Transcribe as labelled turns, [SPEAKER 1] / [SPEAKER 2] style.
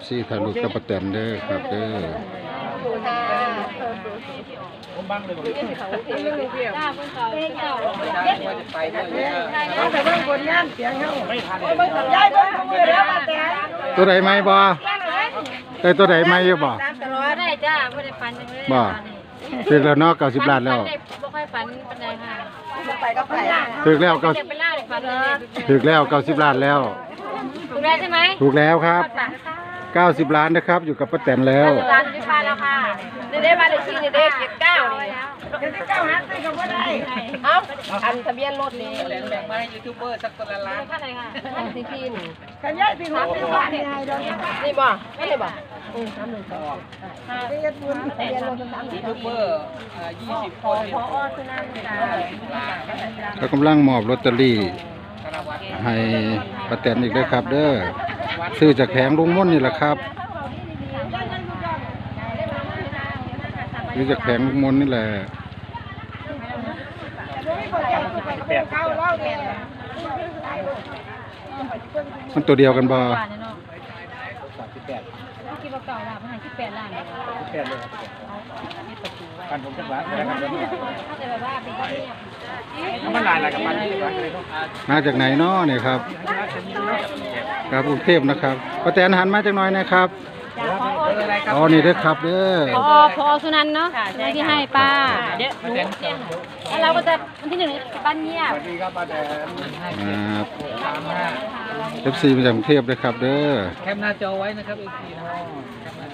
[SPEAKER 1] FC ถ่ายรูปกับป้าแตนเด้อครับเด้อ
[SPEAKER 2] ผมบังเลย
[SPEAKER 3] จ้าเพิ่นเขาเจ้า
[SPEAKER 4] เอาแต่เบิ่งผลงานเสียงเฮา
[SPEAKER 2] ไม่ทัน
[SPEAKER 4] ย้ายเบิ่งมือแล้วมาแต่
[SPEAKER 1] ตัวใดไหมบ่ได้ตัวใดไหมอยู่บ่
[SPEAKER 3] ตลอดได้จ้าบ่ได้ฝันจังเลย
[SPEAKER 1] บ่ถึกแล้วเนาะ90ล้านแล้ว
[SPEAKER 3] บ่ค่อยฝันปานใดค่ะ
[SPEAKER 4] ไปก็ไป
[SPEAKER 1] ถึกแล้ว
[SPEAKER 3] เก็บไปล่าได้ฝันเลย
[SPEAKER 1] ถึกแล้ว90ล้านแล้ว
[SPEAKER 3] ถูกแล้วใช่ไหม
[SPEAKER 1] ถูกแล้วครับ90ล้านนะครับอยู่กับป้าแตนแล้ว
[SPEAKER 3] ร้านที่ฟ้าแล้วค่ะได้มาได้ชื่อได้เก็บ9นี่
[SPEAKER 4] เดี๋ยวจะก้าวหาซื้อก็บ่ได้
[SPEAKER 3] เอ้าอันทะเบียนรถนี่
[SPEAKER 2] แบ่งมาให้ยูทูบเบอร์สักคนละล้าน
[SPEAKER 3] เท่าไหร่ค่ะสิพิน
[SPEAKER 4] กันย้ายสิหัวสิว่านี่ให้ดอก
[SPEAKER 3] นี่บ่ไม่ได้บ่
[SPEAKER 4] ไปเฮ็ดบุญทะเบียนรถ
[SPEAKER 2] ยูทูบเบอร์20 คน
[SPEAKER 3] พอสุนันท์จ้า
[SPEAKER 1] ก็กำลังมอบลอตเตอรี่ให้ป้าแตนอีกด้วยครับ เด้อซื้อจากแผงลุงม่นนี่แหละครับซื้อจากแผงลุงม่นนี่แหละมันตัวเดียวกันบ่
[SPEAKER 3] คิดว่าเก่าล้านมันให้18ล้าน
[SPEAKER 2] แค่เลยกันผมจะล้านนะครับ
[SPEAKER 3] แต่แบบว่าเป็นคนเนี่ย
[SPEAKER 2] มันลายอะไรกับมันที่ร้านเลยต้อง
[SPEAKER 1] มาจากไหนเนาะเนี่ยครับครับกรุงเทพนะครับป้าแตนหันมาจากหน้อยนะครับ อ๋อ นี่เด้อครับเด้อ
[SPEAKER 3] พอสุนันท์เนาะที่ให้ป้าเดี๋ยวแล้วเราก็จะวันที่1บ้านเงียบ
[SPEAKER 2] สวัสดีครับป้าแดน
[SPEAKER 1] ครับ
[SPEAKER 2] 35
[SPEAKER 1] FC มาจากกรุงเทพเลยครับเด้อ
[SPEAKER 2] แคปหน้าจอไว้นะครับอีกทีนะ